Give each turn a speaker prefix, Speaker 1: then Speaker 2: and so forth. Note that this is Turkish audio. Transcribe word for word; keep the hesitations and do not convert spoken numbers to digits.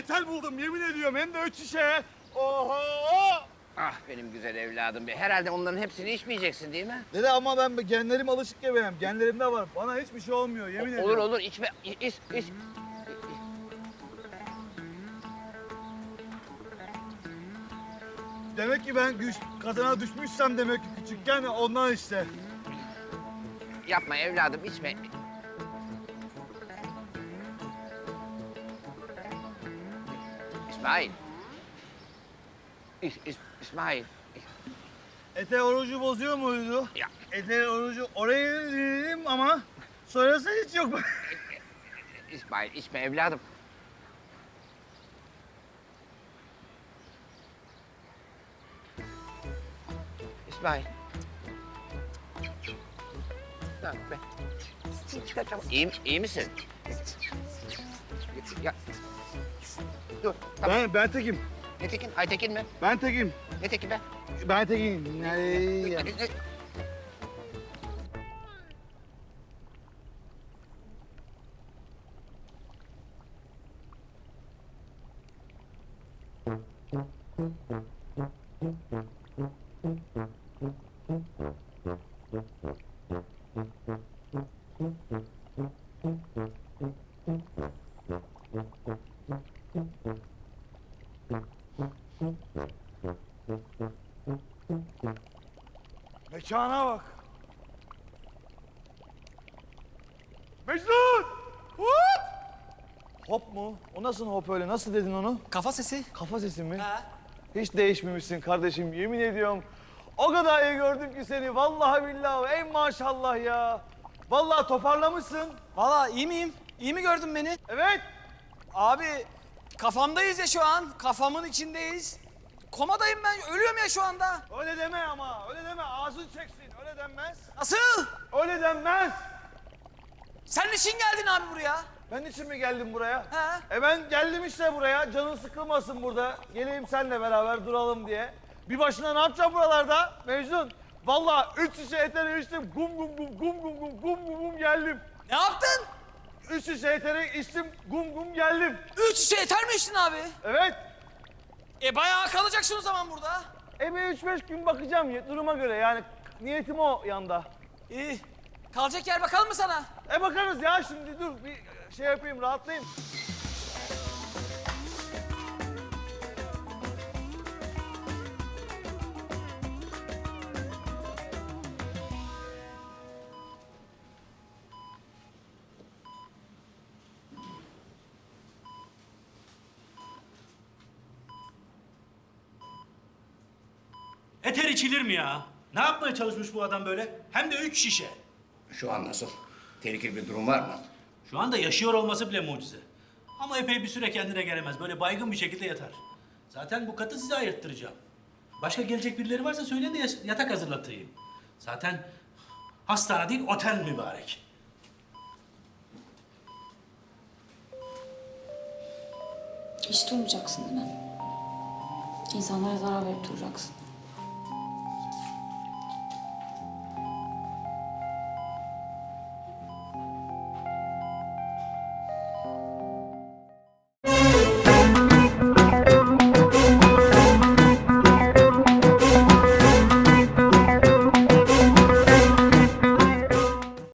Speaker 1: otel buldum yemin ediyorum. Hem de üç şişe. Oho!
Speaker 2: Ah benim güzel evladım be. Herhalde onların hepsini içmeyeceksin değil mi?
Speaker 1: Dede ama ben genlerim alışık ya benim. Genlerimde var. Bana hiçbir şey olmuyor yemin
Speaker 2: O-
Speaker 1: ediyorum.
Speaker 2: olur olur içme. İ- İç, iç.
Speaker 1: Demek ki ben güç, kazana düşmüşsem demek ki küçükken ondan işte.
Speaker 2: Yapma evladım içme. İsmail. İs, İs, İsmail.
Speaker 1: Ete orucu bozuyor muydu?
Speaker 2: Ya.
Speaker 1: Ete orucu oraya dedim ama sonrası hiç yok.
Speaker 2: İsmail içme evladım. İsmail. Tamam be. Tamam. İyi, iyi misin? Ya. Dur. Tamam.
Speaker 1: Ben, ben tekim.
Speaker 2: Ne Tekin? Aytekin mi?
Speaker 1: Ben tekim.
Speaker 2: Ne Tekin be?
Speaker 1: Ben tekim. Ay.
Speaker 2: Ne- ne-
Speaker 1: Mekana bak. Mecnun! Hop! Hop mu? O nasıl hop öyle? Nasıl dedin onu?
Speaker 3: Kafa sesi.
Speaker 1: Kafa sesi mi?
Speaker 3: Ha.
Speaker 1: Hiç değişmemişsin kardeşim. Yemin ediyorum. O kadar iyi gördüm ki seni. Vallahi billahi. Ey maşallah ya. Vallahi toparlamışsın.
Speaker 3: Valla iyi miyim? İyi mi gördün beni?
Speaker 1: Evet.
Speaker 3: Abi kafamdayız ya şu an. Kafamın içindeyiz. Komadayım ben. Ölüyorum ya şu anda.
Speaker 1: Öyle deme ama. Öyle deme. Ağzın çeksin. Öyle denmez.
Speaker 3: Nasıl?
Speaker 1: Öyle denmez.
Speaker 3: Sen niçin geldin abi buraya?
Speaker 1: Ben için mi geldim buraya?
Speaker 3: He.
Speaker 1: E ben geldim işte buraya. Canın sıkılmasın burada. Geleyim seninle beraber duralım diye. Bir başına ne yapacağım buralarda Mecnun? Vallahi üç şişe eteri içtim. Gum gum gum gum gum gum gum gum gum geldim.
Speaker 3: Ne yaptın?
Speaker 1: Üç şişe eteri içtim. Gum gum geldim.
Speaker 3: Üç şişe yeter mi içtin abi?
Speaker 1: Evet.
Speaker 3: E bayağı kalacaksın o zaman burada.
Speaker 1: E bir üç beş gün bakacağım duruma göre yani niyetim o yanda.
Speaker 3: İyi. Kalacak yer bakalım mı sana?
Speaker 1: E bakarız ya şimdi dur bir şey yapayım rahatlayayım.
Speaker 4: Eter içilir mi ya? Ne yapmaya çalışmış bu adam böyle? Hem de üç şişe.
Speaker 2: Şu an nasıl? Tehlikeli bir durum var mı?
Speaker 4: Şu anda yaşıyor olması bile mucize. Ama epey bir süre kendine gelemez. Böyle baygın bir şekilde yatar. Zaten bu katı size ayırttıracağım. Başka gelecek birileri varsa söyleyin de yas- yatak hazırlatayım. Zaten hastane değil, otel mübarek.
Speaker 5: Hiç durmayacaksın değil mi? İnsanlara zarar verip duracaksın.